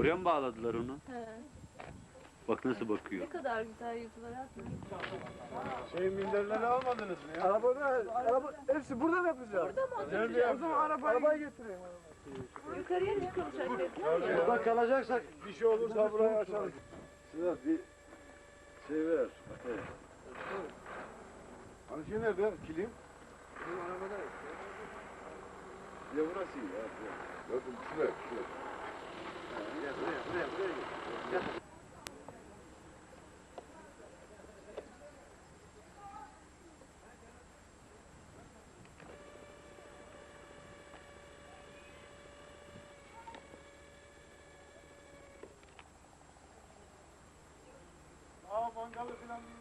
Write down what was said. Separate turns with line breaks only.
Oraya mı bağladılar onu?
He.
Bak nasıl bakıyor.
Ne kadar güzel yüzüler atmış.
Minderleri almadınız mı ya?
Araba hepsi burada mı yapacağız?
Burada mı
Nerede
oturacağız?
O zaman arabayı getireyim.
Yukarıya çıkılacak dediler ya.
Burada kalacaksak bir şey olursa burayı açalım. Sedat bir şey ver. Evet. Hani şey nerede? Kilim? Kilim arabada. Ya burası iyi ya. Bakın şuraya. Gel buraya gel. Mangalı falan